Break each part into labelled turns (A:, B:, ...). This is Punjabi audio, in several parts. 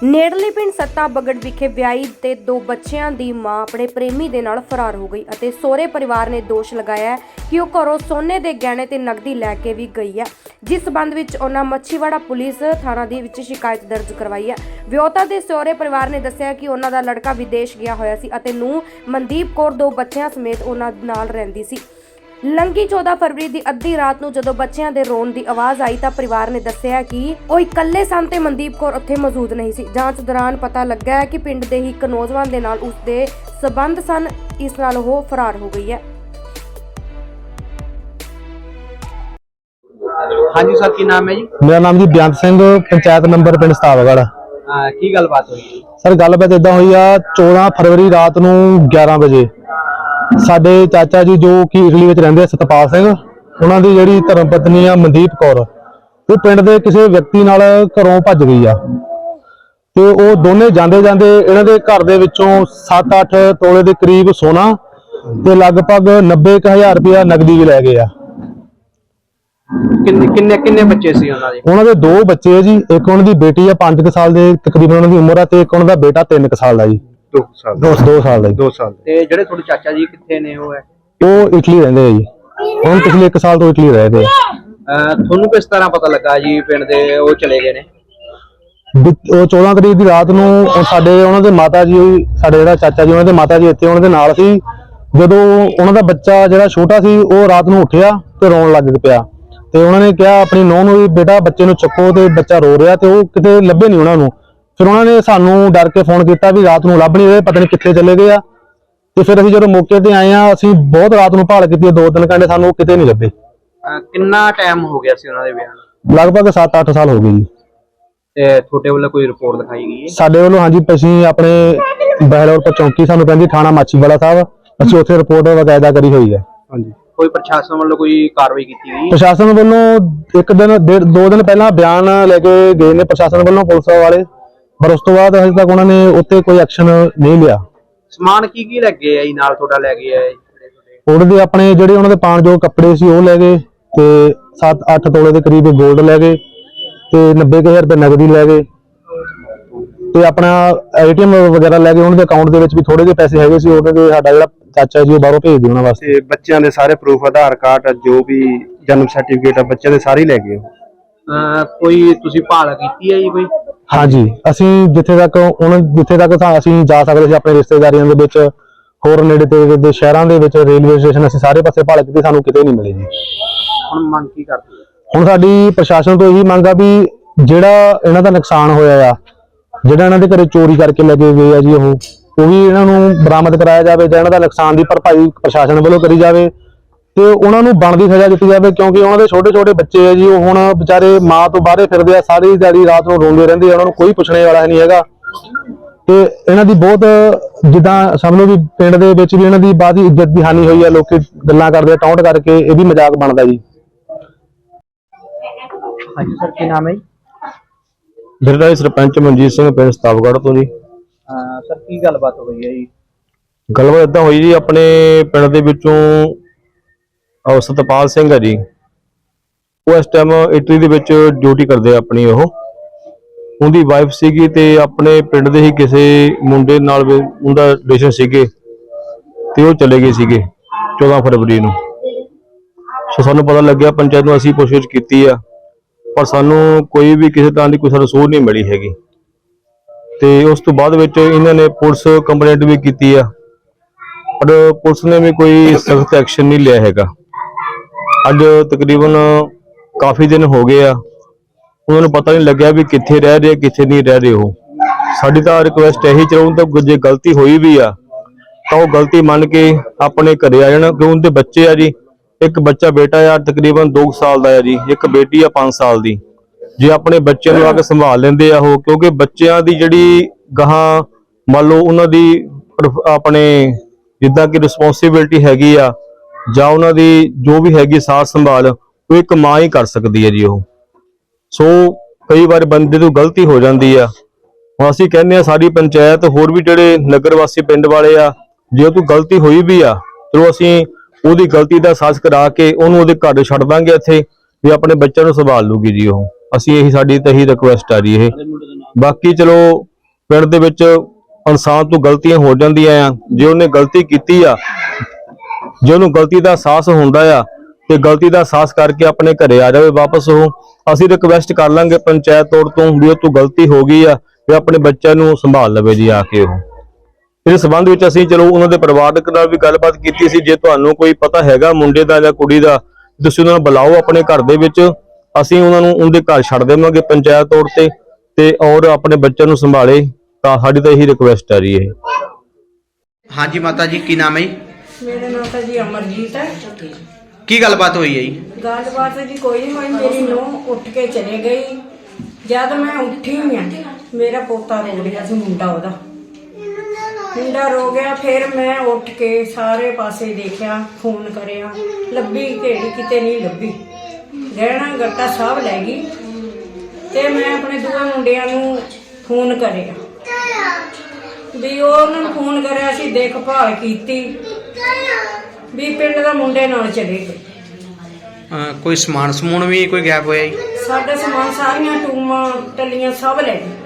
A: ਨੇੜਲੇ ਪਿੰਡ ਸੱਤਾ ਬਗੜ ਵਿਖੇ ਵਿਆਹੀ ਤੇ 2 ਬੱਚਿਆਂ ਦੀ ਮਾਂ ਆਪਣੇ ਪ੍ਰੇਮੀ ਦੇ ਨਾਲ ਫਰਾਰ ਹੋ ਗਈ ਅਤੇ ਸਹੁਰੇ ਪਰਿਵਾਰ ਨੇ ਦੋਸ਼ ਲਗਾਇਆ ਹੈ ਕਿ ਉਹ ਘਰੋਂ ਸੋਨੇ ਦੇ ਗਹਿਣੇ ਤੇ ਨਕਦੀ ਲੈ ਕੇ ਵੀ ਗਈ ਹੈ। ਜਿਸ ਸਬੰਧ ਵਿੱਚ ਉਹਨਾਂ ਮੱਛੀਵਾੜਾ ਪੁਲਿਸ ਥਾਣਾ ਦੇ ਵਿੱਚ ਸ਼ਿਕਾਇਤ ਦਰਜ ਕਰਵਾਈ ਹੈ। ਵਿਆਹੁਤਾ ਦੇ ਸਹੁਰੇ ਪਰਿਵਾਰ ਨੇ ਦੱਸਿਆ ਕਿ ਉਹਨਾਂ ਦਾ ਲੜਕਾ ਵਿਦੇਸ਼ ਗਿਆ ਹੋਇਆ ਸੀ ਅਤੇ ਨੂੰਹ ਮਨਦੀਪ ਕੌਰ 2 ਬੱਚਿਆਂ ਸਮੇਤ ਉਹਨਾਂ ਨਾਲ ਰਹਿੰਦੀ ਸੀ। ਲੰਘੀ 14 ਫਰਵਰੀ ਦੀ ਅੱਧੀ ਰਾਤ ਨੂੰ ਜਦੋਂ ਬੱਚਿਆਂ ਦੇ ਰੋਣ ਦੀ ਆਵਾਜ਼ ਆਈ ਤਾਂ ਪਰਿਵਾਰ ਨੇ ਦੱਸਿਆ ਕਿ ਉਹ ਇਕੱਲੇ ਸਨ ਤੇ ਮਨਦੀਪ ਕੌਰ ਉੱਥੇ ਮੌਜੂਦ ਨਹੀਂ ਸੀ। ਜਾਂਚ ਦੌਰਾਨ ਪਤਾ ਲੱਗਾ ਹੈ ਕਿ ਪਿੰਡ ਦੇ ਹੀ ਇੱਕ ਨੌਜਵਾਨ ਦੇ ਨਾਲ ਉਸ ਦੇ ਸਬੰਧ ਸਨ। ਇਸ ਨਾਲ ਉਹ ਫਰਾਰ ਹੋ ਗਈ ਹੈ।
B: ਹਾਂਜੀ ਸਰ, ਕੀ ਨਾਮ ਹੈ जी?
C: मेरा नाम जी बेअंत सिंह, पंचायत नंबर पिंड सतावगढ़।
B: की गलबात हुई
C: सर गलबात इदा हुई आ 14 फरवरी रात नूं 11 ਵਜੇ ਸਾਡੇ ਚਾਚਾ ਜੀ ਜੋ ਕਿ ਇਟਲੀ ਵਿੱਚ ਰਹਿੰਦੇ ਸਤਪਾਲ ਸਿੰਘ, ਉਹਨਾਂ ਦੀ ਜਿਹੜੀ ਧਰਮ ਪਤਨੀ ਆ ਮਨਦੀਪ ਕੌਰ, ਉਹ ਪਿੰਡ ਦੇ ਕਿਸੇ ਵਿਅਕਤੀ ਨਾਲ ਘਰੋਂ ਭੱਜ ਗਈ ਆ ਤੇ ਉਹ ਦੋਨੇ ਜਾਂਦੇ ਇਹਨਾਂ ਦੇ ਘਰ ਦੇ ਵਿੱਚੋਂ 7-8 ਤੋਲੇ ਦੇ ਕਰੀਬ ਸੋਨਾ ਤੇ ਲਗਭਗ 90,000 ਰੁਪਇਆ ਨਕਦੀ ਵੀ ਲੈ ਗਏ ਆ।
B: ਕਿੰਨੇ ਬੱਚੇ ਸੀ ਉਹਨਾਂ ਦੇ?
C: ਉਹਨਾਂ ਦੇ 2 ਬੱਚੇ ਆ ਜੀ। ਇੱਕ ਉਹਨਾਂ ਦੀ ਬੇਟੀ ਆ 5 ਸਾਲ ਦੇ ਤਕਰੀਬਨ ਉਹਨਾਂ ਦੀ ਉਮਰ ਆ ਤੇ ਇੱਕ ਉਹਨਾਂ ਦਾ ਬੇਟਾ 3 ਸਾਲ ਦਾ ਜੀ। 2 ਸਾਲ ਦਾ। 2 ਸਾਲ।
B: ਤੇ ਜਿਹੜੇ ਤੁਹਾਡੇ ਚਾਚਾ ਜੀ ਕਿੱਥੇ ਨੇ?
C: ਉਹ ਇਟਲੀ ਰਹਿੰਦੇ ਆ ਜੀ। ਹੁਣ ਪਿਛਲੇ 1 ਸਾਲ ਤੋਂ ਇਟਲੀ ਰਹਿ ਰਹੇ ਆ।
B: ਤੁਹਾਨੂੰ ਕਿਸ ਤਰ੍ਹਾਂ ਪਤਾ ਲੱਗਾ ਜੀ ਪਿੰਡ ਦੇ ਉਹ ਚਲੇ ਗਏ ਨੇ?
C: ਉਹ 14 ਤਰੀਕ ਦੀ ਰਾਤ ਨੂੰ ਉਹਨਾਂ ਦੇ ਮਾਤਾ ਜੀ, ਸਾਡੇ ਜਿਹੜਾ ਚਾਚਾ ਜੀ ਉਹਨਾਂ ਦੇ ਮਾਤਾ ਜੀ ਇੱਥੇ ਉਹਨਾਂ ਦੇ ਨਾਲ ਸੀ। ਜਦੋਂ ਉਹਨਾਂ ਦਾ ਬੱਚਾ ਜਿਹੜਾ ਛੋਟਾ ਸੀ ਉਹ ਰਾਤ ਨੂੰ ਉੱਠਿਆ ਤੇ ਰੋਣ ਲੱਗ ਪਿਆ ਤੇ ਉਹਨਾਂ ਨੇ ਕਿਹਾ ਆਪਣੀ ਨੂੰਹ ਨੂੰ ਵੀ ਬੇਟਾ ਬੱਚੇ ਨੂੰ ਚੱਕੋ, ਤੇ ਬੱਚਾ ਰੋ ਰਿਹਾ ਤੇ ਉਹ ਕਿਤੇ ਲੱਭੇ ਨਹੀਂ ਉਹਨਾਂ ਨੂੰ। ਫਿਰ ਉਹਨਾਂ ਨੇ ਸਾਨੂੰ ਡਰ ਕੇ ਫੋਨ ਕੀਤਾ ਵੀ ਰਾਤ ਨੂੰ ਲੱਭ ਨਹੀਂ ਰਹੇ, ਪਤਾ ਨਹੀਂ ਕਿੱਥੇ ਚਲੇ ਗਏ ਆ। ਤੇ ਫਿਰ ਅਸੀਂ ਜਦੋਂ ਮੌਕੇ ਤੇ ਆਏ ਆ, ਅਸੀਂ ਬਹੁਤ ਰਾਤ ਨੂੰ ਭਾਲ ਕੀਤੀ, 2-3 ਘੰਟੇ, ਸਾਨੂੰ ਕਿਤੇ ਨਹੀਂ ਲੱਭੇ।
B: ਕਿੰਨਾ ਟਾਈਮ ਹੋ ਗਿਆ ਸੀ ਉਹਨਾਂ ਦੇ ਵਿਆਹ ਨੂੰ?
C: ਲਗਭਗ 7-8 ਸਾਲ ਹੋ ਗਏ ਜੀ।
B: ਤੇ ਤੁਹਾਡੇ ਵੱਲੋਂ ਕੋਈ ਰਿਪੋਰਟ ਲਿਖਾਈ ਗਈ ਹੈ?
C: ਸਾਡੇ ਵੱਲੋਂ ਹਾਂਜੀ, ਅਸੀਂ ਆਪਣੇ ਬਹਿਲੋਰ ਤੋਂ ਚੌਂਕੀ ਸਾਨੂੰ ਕਹਿੰਦੀ ਥਾਣਾ ਮਾਛੀਵਾੜਾ ਸਾਹਿਬ, ਅਸੀਂ ਉੱਥੇ ਰਿਪੋਰਟ ਵਕਾਇਦਾ ਕਰੀ ਹੋਈ ਹੈ। ਹਾਂਜੀ।
B: ਕੋਈ ਪ੍ਰਸ਼ਾਸਨ ਵੱਲੋਂ ਕੋਈ ਕਾਰਵਾਈ ਕੀਤੀ ਗਈ?
C: ਪ੍ਰਸ਼ਾਸਨ ਵੱਲੋਂ 2 ਦਿਨ ਪਹਿਲਾਂ ਬਿਆਨ ਲੈ ਕੇ ਗਏ ਨੇ ਪ੍ਰਸ਼ਾਸਨ ਵੱਲੋਂ, ਪੁਲਿਸ ਵਾਲੇ, ਪਰ ਉਸ ਤੋਂ ਬਾਅਦ ਹਜੇ ਤੱਕ ਉਹਨਾਂ ਨੇ ਉੱਤੇ ਕੋਈ ਐਕਸ਼ਨ ਨਹੀਂ ਲਿਆ।
B: ਸਮਾਨ ਕੀ ਲੱਗੇ ਆ ਜੀ ਨਾਲ ਤੁਹਾਡਾ ਲੈ ਗਏ ਆ?
C: ਉਹਨਾਂ ਦੇ ਆਪਣੇ ਜਿਹੜੇ ਉਹਨਾਂ ਦੇ ਪਾਣਯੋਗ ਕੱਪੜੇ ਸੀ ਉਹ ਲੈ ਗਏ ਤੇ 7-8 ਤੋਲੇ ਦੇ ਕਰੀਬ ਗੋਲਡ ਲੈ ਗਏ ਤੇ 90,000 ਰੁਪਏ ਨਗਦੀ ਲੈ ਗਏ ਤੇ ਆਪਣਾ ATM ਵਗੈਰਾ ਲੈ ਗਏ। ਉਹਨਾਂ ਦੇ ਅਕਾਊਂਟ ਦੇ ਵਿੱਚ ਵੀ ਥੋੜੇ ਜਿਹੇ ਪੈਸੇ ਹੈਗੇ ਸੀ, ਉਹਨਾਂ ਦੇ ਸਾਡਾ ਜਿਹੜਾ ਚਾਚਾ ਜੀ ਉਹ ਬਾਹਰੋਂ ਭੇਜਦੇ ਉਹਨਾਂ ਵਾਸਤੇ।
D: ਬੱਚਿਆਂ ਦੇ ਸਾਰੇ ਪ੍ਰੂਫ, ਆਧਾਰ ਕਾਰਡ, ਜੋ ਵੀ ਜਨਮ ਸਰਟੀਫਿਕੇਟ ਆ ਬੱਚਿਆਂ ਦੇ ਸਾਰੇ ਲੈ ਗਏ।
B: ਕੋਈ ਤੁਸੀਂ ਭਾਲ ਕੀਤੀ ਹੈ ਜੀ ਕੋਈ?
C: ਹਾਂਜੀ, ਅਸੀਂ ਜਿੱਥੇ ਤੱਕ ਅਸੀਂ ਜਾ ਸਕਦੇ ਸੀ ਆਪਣੇ ਰਿਸ਼ਤੇਦਾਰੀਆਂ ਦੇ ਵਿੱਚ, ਹੋਰ ਨੇੜੇ ਤੇ ਦੇ ਸ਼ਹਿਰਾਂ ਦੇ ਵਿੱਚ, ਰੇਲਵੇ ਸਟੇਸ਼ਨ, ਅਸੀਂ ਸਾਰੇ ਪਾਸੇ ਭਾਲ ਕੀਤੀ, ਸਾਨੂੰ ਕਿਤੇ ਨਹੀਂ ਮਿਲੇ ਜੀ।
B: ਹੁਣ ਮੰਗ ਕੀ ਕਰਦੇ?
C: ਹੁਣ ਸਾਡੀ ਪ੍ਰਸ਼ਾਸਨ ਤੋਂ ਇਹੀ ਮੰਗ ਆ ਵੀ ਜਿਹੜਾ ਇਹਨਾਂ ਦਾ ਨੁਕਸਾਨ ਹੋਇਆ ਆ, ਜਿਹੜਾ ਇਹਨਾਂ ਦੇ ਘਰੇ ਚੋਰੀ ਕਰਕੇ ਲੈ ਕੇ ਗਏ ਆ ਜੀ, ਉਹ ਵੀ ਇਹਨਾਂ ਨੂੰ ਬਰਾਮਦ ਕਰਾਇਆ ਜਾਵੇ ਜਾਂ ਇਹਨਾਂ ਦਾ ਨੁਕਸਾਨ ਦੀ ਭਰਪਾਈ ਪ੍ਰਸ਼ਾਸਨ ਵੱਲੋਂ ਕਰੀ ਜਾਵੇ ਤੇ ਉਹਨਾਂ ਨੂੰ ਬਣਦੀ ਸਜ਼ਾ ਦਿੱਤੀ ਜਾਵੇ, ਕਿਉਂਕਿ ਉਹਨਾਂ ਦੇ ਛੋਟੇ ਬच्चे ਆ ਜੀ। ਉਹ ਹੁਣ ਵਿਚਾਰੇ ਮਾਂ ਤੋਂ ਬਾਹਰੇ ਫਿਰਦੇ ਆ, ਸਾਰੀ ਦਿਹਾੜੀ ਰਾਤ ਨੂੰ ਰੋਂਦੇ ਰਹਿੰਦੇ ਆ, ਉਹਨਾਂ ਨੂੰ ਕੋਈ ਪੁੱਛਣੇ ਵਾਲਾ ਨਹੀਂ ਹੈਗਾ। ਤੇ ਇਹਨਾਂ ਦੀ ਬਹੁਤ ਜਿੱਦਾਂ ਸਮਝ ਲਓ ਵੀ ਪਿੰਡ ਦੇ ਵਿੱਚ ਵੀ ਇਹਨਾਂ ਦੀ ਬਾਅਦ ਹੀ ਇੱਜ਼ਤ ਦੀ ਹਾਨੀ ਹੋਈ ਆ। ਲੋਕੀ ਗੱਲਾਂ ਕਰਦੇ ਆ ਟੌਂਟ ਕਰਕੇ, ਇਹ ਵੀ ਮਜ਼ਾਕ ਬਣਦਾ ਜੀ।
B: ਹਾਂਜੀ ਸਰ, ਕੀ ਨਾਮ ਹੈ ਜੀ?
C: ਮੇਰਾ ਸਰਪੰਚ ਮਨਜੀਤ ਸਿੰਘ, ਪਿੰਡ ਸਤਾਵਗੜ੍ਹ ਤੋਂ ਜੀ।
B: ਸਰ ਕੀ ਗੱਲਬਾਤ ਹੋਈ ਹੈ ਜੀ?
C: ਗੱਲਬਾਤ ਏਦਾਂ ਹੋਈ ਜੀ, ਆਪਣੇ ਪਿੰਡ ਦੇ ਵਿੱਚੋਂ ਸਤਪਾਲ ਸਿੰਘ ਹੈ ਜੀ, ਉਹ ਇਸ ਟਾਈਮ ਇਟਲੀ ਦੇ ਵਿੱਚ ਡਿਊਟੀ ਕਰਦੇ ਆ ਆਪਣੀ। ਉਹਦੀ ਵਾਈਫ ਸੀਗੀ ਤੇ ਆਪਣੇ ਪਿੰਡ ਦੇ ਹੀ ਕਿਸੇ ਮੁੰਡੇ ਨਾਲ ਉਹਦਾ ਰਿਲੇਸ਼ਨ ਸੀਗੇ ਤੇ ਉਹ ਚਲੇ ਗਏ ਸੀਗੇ 14 ਫਰਵਰੀ ਨੂੰ। ਸੋ ਸਾਨੂੰ ਪਤਾ ਲੱਗਿਆ, ਪੰਚਾਇਤ ਨੂੰ ਅਸੀਂ ਪੁੱਛਗਿੱਛ ਕੀਤੀ ਆ, ਪਰ ਸਾਨੂੰ ਕੋਈ ਵੀ ਕਿਸੇ ਤਰ੍ਹਾਂ ਦੀ ਕੋਈ ਸੂਹ ਨਹੀਂ ਮਿਲੀ ਹੈਗੀ। ਤੇ ਉਸ ਤੋਂ ਬਾਅਦ ਵਿੱਚ ਇਹਨਾਂ ਨੇ ਪੁਲਿਸ ਕੰਪਲੇਂਟ ਵੀ ਕੀਤੀ ਆ, ਪਰ ਪੁਲਿਸ ਨੇ ਵੀ ਕੋਈ ਸਖਤ ਐਕਸ਼ਨ ਨਹੀਂ ਲਿਆ ਹੈਗਾ। ਅੱਜ ਤਕਰੀਬਨ ਕਾਫੀ ਦਿਨ ਹੋ ਗਏ ਆ, ਉਹਨਾਂ ਨੂੰ ਪਤਾ ਨਹੀਂ ਲੱਗਿਆ ਵੀ ਕਿੱਥੇ ਰਹਿ ਰਹੇ ਕਿੱਥੇ ਨਹੀਂ ਰਹਿ ਰਹੇ। ਸਾਡੀ ਤਾਂ ਰਿਕੁਐਸਟ ਇਹੀ ਚਾਹੁੰਦਾ ਤਾਂ ਜੇ ਗਲਤੀ ਹੋਈ ਵੀ ਆ ਤਾਂ ਉਹ ਗਲਤੀ ਮੰਨ ਕੇ ਆਪਣੇ ਘਰੇ ਆ ਜਾਣ, ਕਿਉਂ ਉਹਦੇ ਬੱਚੇ ਆ ਜੀ। ਇੱਕ ਬੱਚਾ ਬੇਟਾ ਆ ਤਕਰੀਬਨ 2 ਸਾਲ ਦਾ ਆ ਜੀ, ਇੱਕ ਬੇਟੀ ਆ 5 ਸਾਲ ਦੀ। ਜੇ ਆਪਣੇ ਬੱਚਿਆਂ ਨੂੰ ਆ ਕੇ ਸੰਭਾਲ ਲੈਂਦੇ ਆ ਉਹ, ਕਿਉਂਕਿ ਬੱਚਿਆਂ ਦੀ ਜਿਹੜੀ ਗਾਹਾਂ ਮੰਨ ਲਓ ਉਹਨਾਂ ਦੀ ਆਪਣੇ ਜਿੱਦਾਂ ਕਿ ਰਿਸਪੌਂਸਿਬਿਲਟੀ ਹੈਗੀ ਆ ਜਾਂ ਉਹਨਾਂ ਦੀ ਜੋ ਵੀ ਹੈਗੀ ਸਾਥ ਸੰਭਾਲ, ਉਹ ਇੱਕ ਮਾਂ ਹੀ ਕਰ ਸਕਦੀ ਹੈ ਜੀ ਉਹ। ਸੋ ਕਈ ਵਾਰ ਬੰਦੇ ਤੋਂ ਗਲਤੀ ਹੋ ਜਾਂਦੀ ਆ। ਹੁਣ ਅਸੀਂ ਕਹਿੰਦੇ ਆ ਸਾਡੀ ਪੰਚਾਇਤ, ਹੋਰ ਵੀ ਜਿਹੜੇ ਨਗਰ ਵਾਸੀ ਪਿੰਡ ਵਾਲੇ ਆ, ਜੇ ਕੋਈ ਗਲਤੀ ਹੋਈ ਵੀ ਆ ਚਲੋ ਅਸੀਂ ਉਹਦੀ ਗਲਤੀ ਦਾ ਅਹਿਸਾਸ ਕਰਾ ਕੇ ਉਹਨੂੰ ਉਹਦੇ ਘਰ ਛੱਡ ਦਾਂਗੇ ਇੱਥੇ, ਵੀ ਆਪਣੇ ਬੱਚਿਆਂ ਨੂੰ ਸੰਭਾਲ ਲੂਗੀ ਜੀ ਉਹ। ਅਸੀਂ ਇਹੀ ਸਾਡੀ ਤਾਂ ਇਹੀ ਰਿਕੁਐਸਟ ਆ ਰਹੀ ਇਹ। ਬਾਕੀ ਚਲੋ ਪਿੰਡ ਦੇ ਵਿੱਚ ਇਨਸਾਨ ਤੋਂ ਗਲਤੀਆਂ ਹੋ ਜਾਂਦੀਆਂ ਆ। ਜੇ ਉਹਨੇ ਗਲਤੀ ਕੀਤੀ ਆ, ਜੇ ਉਹਨੂੰ ਗਲਤੀ ਦਾ ਅਹਿਸਾਸ ਹੁੰਦਾ ਆ ਤੇ ਗਲਤੀ ਦਾ ਅਹਿਸਾਸ ਕਰਕੇ ਆਪਣੇ ਘਰੇ ਆ ਜਾਵੇ ਵਾਪਸ। ਉਹ ਅਸੀਂ ਰਿਕਵੈਸਟ ਕਰ ਲਾਂਗੇ ਪੰਚਾਇਤ ਤੌਰ ਤੋਂ ਵੀ ਉਹ ਤੋਂ ਗਲਤੀ ਹੋ ਗਈ ਆ ਵੀ ਆਪਣੇ ਬੱਚਿਆਂ ਨੂੰ ਸੰਭਾਲ ਲਵੇ ਜੀ ਆ ਕੇ। ਉਹ ਇਸ ਸੰਬੰਧ ਵਿੱਚ ਅਸੀਂ ਚਲੋ ਉਹਨਾਂ ਦੇ ਪਰਿਵਾਰਕ ਨਾਲ ਵੀ ਗੱਲਬਾਤ ਕੀਤੀ ਸੀ। ਜੇ ਤੁਹਾਨੂੰ ਕੋਈ ਪਤਾ ਹੈਗਾ ਮੁੰਡੇ ਦਾ ਜਾਂ ਕੁੜੀ ਦਾ, ਤੁਸੀਂ ਉਹਨਾਂ ਨੂੰ ਬੁਲਾਓ ਆਪਣੇ ਘਰ ਦੇ ਵਿੱਚ, ਅਸੀਂ ਉਹਨਾਂ ਨੂੰ ਉਹਦੇ ਘਰ ਛੱਡ ਦੇਵਾਂਗੇ ਪੰਚਾਇਤ ਤੌਰ ਤੇ ਔਰ ਆਪਣੇ ਬੱਚਿਆਂ ਨੂੰ ਸੰਭਾਲੇ। ਤਾਂ ਸਾਡੀ ਤਾਂ ਇਹੀ ਰਿਕਵੈਸਟ ਆ ਰਹੀ ਹੈ।
B: ਹਾਂਜੀ ਮਾਤਾ ਜੀ, ਕੀ ਨਾਮ ਹੈ ਜੀ?
E: मेरा नाम तो जी अमरजीत है।
B: ਕੀ ਗੱਲਬਾਤ ਹੋਈ ਹੈ ਜੀ?
E: गलबात जी कोई नहीं हुई। मेरी नूंह उठ के चले गई। जब मैं उठी हुई हाँ, मेरा पोता रो रहा सी, मुंडा ओदा मुंडा रो गया। फिर मैं उठ के सारे पासे देखा, फोन करया, लब्भी घेड़ी किते नहीं लब्भी। गहना गट्टा सब लै गई। ते मैं अपने दूए मुंडियां नूं फोन करया भी ਉਹਨਾਂ ਨੂੰ ਫੋਨ ਕਰਿਆ ਸੀ, ਦੇਖਭਾਲ ਕੀਤੀ ਵੀ ਪਿੰਡ ਦਾ ਮੁੰਡੇ ਨਾਲ ਚਲੇ ਗਏ।
B: ਕੋਈ ਸਮਾਨ ਸਮੂਨ ਵੀ ਕੋਈ ਗਾਇਬ ਹੋਇਆ ਜੀ?
E: ਸਾਡਾ ਸਮਾਨ ਸਾਰੀਆਂ ਟੂਮਾਂ ਟੱਲੀਆਂ ਸਭ ਲੈ ਗਏ।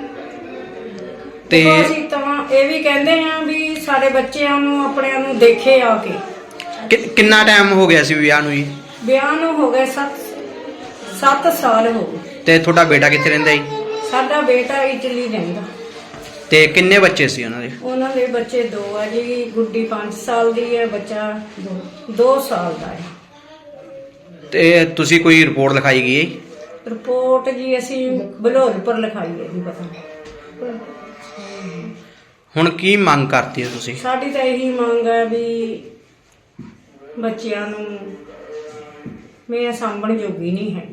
B: ਤੇ
E: ਤੇ ਅਸੀਂ ਤਾਂ ਇਹ ਵੀ ਕਹਿੰਦੇ ਆ ਵੀ ਸਾਡੇ ਬੱਚਿਆਂ ਨੂੰ ਆਪਣਿਆਂ ਨੂੰ ਦੇਖੇ ਆ ਕੇ।
B: ਕਿੰਨਾ ਟਾਈਮ ਹੋ ਗਿਆ ਸੀ ਵਿਆਹ ਨੂੰ ਜੀ?
E: ਵਿਆਹ ਨੂੰ ਹੋ ਗਏ 7 ਸਾਲ ਹੋ ਗਏ।
B: ਤੇ ਤੁਹਾਡਾ ਬੇਟਾ ਕਿੱਥੇ ਰਹਿੰਦਾ ਜੀ?
E: ਸਾਡਾ ਬੇਟਾ ਇਟਲੀ ਰਹਿੰਦਾ।
B: ਤੇ ਕਿੰਨੇ ਬੱਚੇ ਸੀ ਉਹਨਾਂ ਦੇ?
E: ਉਹਨਾਂ ਦੇ ਬੱਚੇ 2 ਆ ਜੀ। ਗੁੱਡੀ 5 ਸਾਲ ਦੀ ਹੈ, ਬੱਚਾ 2 ਸਾਲ ਦਾ ਹੈ।
B: ਤੇ ਤੁਸੀਂ ਕੋਈ ਰਿਪੋਰਟ ਲਿਖਾਈ ਗਈ ਹੈ ਜੀ?
E: ਰਿਪੋਰਟ ਜੀ ਅਸੀਂ ਬਲੌਰਪੁਰ ਲਿਖਾਈ ਹੈ ਜੀ। ਪਤਾ
B: ਹੁਣ ਕੀ ਮੰਗ ਕਰਤੀ ਹੈ ਤੁਸੀਂ?
E: ਸਾਡੀ ਤਾਂ ਇਹੀ ਮੰਗ ਹੈ ਵੀ ਬੱਚਿਆਂ ਨੂੰ ਮੈਂ ਸਾਂਭਣ ਜੋਗੀ ਨਹੀਂ ਹੈਗੀ।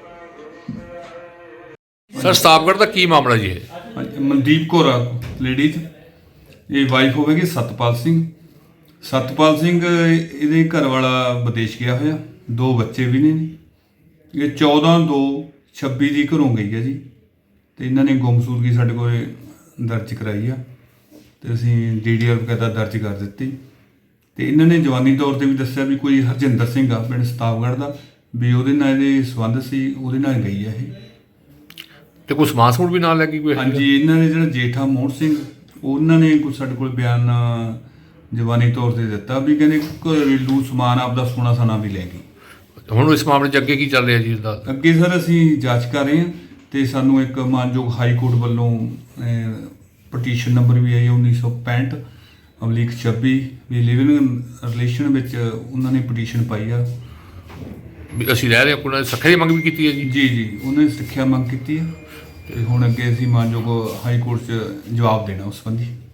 F: ਸਰ ਸਤਾਬਗੜ੍ਹ ਦਾ ਕੀ ਮਾਮਲਾ ਜੀ ਇਹ?
G: ਹਾਂਜੀ, ਮਨਦੀਪ ਕੌਰ ਲੇਡੀਜ਼, ਇਹ ਵਾਈਫ ਹੋਵੇਗੀ ਸਤਪਾਲ ਸਿੰਘ। ਸਤਪਾਲ ਸਿੰਘ ਇਹਦੇ ਘਰ ਵਾਲਾ ਵਿਦੇਸ਼ ਗਿਆ ਹੋਇਆ, 2 ਬੱਚੇ ਵੀ ਨੇ ਜੀ। ਇਹ 14/2/26 ਦੀ ਘਰੋਂ ਗਈ ਹੈ ਜੀ। ਤੇ ਇਹਨਾਂ ਨੇ ਗੁੰਮਸ਼ੁਦਗੀ ਸਾਡੇ ਕੋਲ ਦਰਜ ਕਰਾਈ ਆ ਤੇ ਅਸੀਂ DDR ਵਗੈਰਾ ਦਰਜ ਕਰ ਦਿੱਤੀ। ਤੇ ਇਹਨਾਂ ਨੇ ਜਵਾਨੀ ਤੌਰ ਤੇ ਵੀ ਦੱਸਿਆ ਵੀ ਕੋਈ ਹਰਜਿੰਦਰ ਸਿੰਘ ਆ ਪਿੰਡ ਸਤਾਬਗੜ੍ਹ ਦਾ, ਵੀ ਉਹਦੇ ਨਾਲ ਇਹਦੇ ਸੰਬੰਧ ਸੀ, ਉਹਦੇ ਨਾਲ ਗਈ ਆ ਇਹ।
F: ਤੇ ਕੋਈ ਸਮਾਨ ਸਮੂਨ ਵੀ ਨਾਲ ਲੈ ਗਈ ਕੋਈ?
G: ਹਾਂਜੀ, ਇਹਨਾਂ ਨੇ ਜਿਹੜਾ ਜੇਠਾ ਮੋਹਨ ਸਿੰਘ, ਉਹਨਾਂ ਨੇ ਕੋਈ ਸਾਡੇ ਕੋਲ ਬਿਆਨ ਜਵਾਨੀ ਤੌਰ ਤੇ ਦਿੱਤਾ ਵੀ ਕਹਿੰਦੇ ਘਰੇਲੂ ਸਮਾਨ ਆਪਦਾ ਸੋਨਾ ਸਾਨਾ ਵੀ ਲੈ ਗਈ।
F: ਹੁਣ ਇਸ ਮਾਮਲੇ 'ਚ ਅੱਗੇ ਕੀ ਚੱਲ ਰਿਹਾ ਜੀ ਇਸਦਾ?
G: ਅੱਗੇ ਸਰ ਅਸੀਂ ਜਾਂਚ ਕਰ ਰਹੇ ਹਾਂ ਤੇ ਸਾਨੂੰ ਇੱਕ ਮਾਨਯੋਗ ਹਾਈ ਕੋਰਟ ਵੱਲੋਂ ਪਟੀਸ਼ਨ ਨੰਬਰ ਵੀ ਆਈ 1965/26 ਵੀ ਲਿਵਿੰਗ ਰਿਲੇਸ਼ਨ ਵਿੱਚ ਉਹਨਾਂ ਨੇ ਪਟੀਸ਼ਨ ਪਾਈ ਆ।
F: ਵੀ ਅਸੀਂ ਰਹਿ ਰਹੇ ਹਾਂ, ਕੋਈ ਸੱਖੇ ਦੀ ਮੰਗ ਵੀ ਕੀਤੀ ਹੈ ਜੀ?
G: ਜੀ ਉਹਨਾਂ ਨੇ ਸਿੱਖਿਆ ਮੰਗ ਕੀਤੀ ਹੈ ਤੇ ਹੁਣ ਅੱਗੇ ਅਸੀਂ ਮਾਨਯੋਗ ਹਾਈ ਕੋਰਟ 'ਚ ਜਵਾਬ ਦੇਣਾ ਉਸ ਸੰਬੰਧੀ।